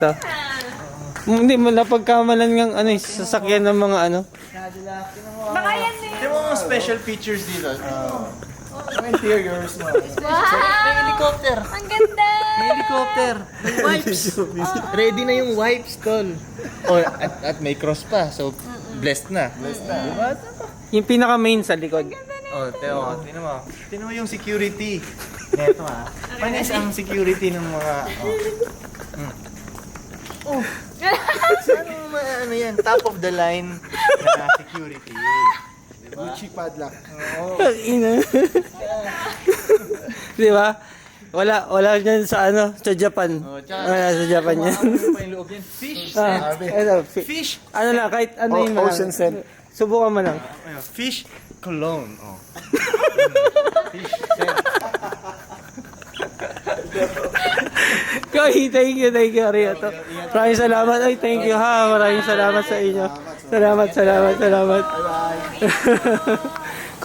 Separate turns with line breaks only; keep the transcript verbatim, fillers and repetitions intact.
to. Hindi mo napagkamalan ng ano, yung sasakyan ng mga ano.
Baka yan eh.
Yung mga special features dito. Ang interiors mo.
Wow!
May helicopter.
Ang ganda!
May helicopter. May wipes. Ready na yung wipes, tol. Oh, at, at may cross pa. So, blessed na. Blessed na. Diba?
Yung pinaka main sa likod.
Oh, Teo, tinan mo. Tinan mo yung security. Neto ah. Panis ang security ng mga... Oh. Oh. Ano, ma- ano yan? Top of the line na security. Diba?
Gucci padlock.
Oo.
Ina. Di ba? Wala, wala dyan sa ano, sa Japan.
Oh, tsaka-
Wala sa Japan yan.
Ano pa yung loob yan? Fish
Ah,
scent.
ano, fi-
Fish.
ano lang, kahit ano
O-
yung mga-
ocean scent.
Subukan mo lang.
Ayun, fish cologne. Oh. Fish scent.
Koy, thank you, thank you, Ariato. Maraming salamat. Ay, thank you ha. Maraming salamat sa inyo. Salamat, salamat, salamat.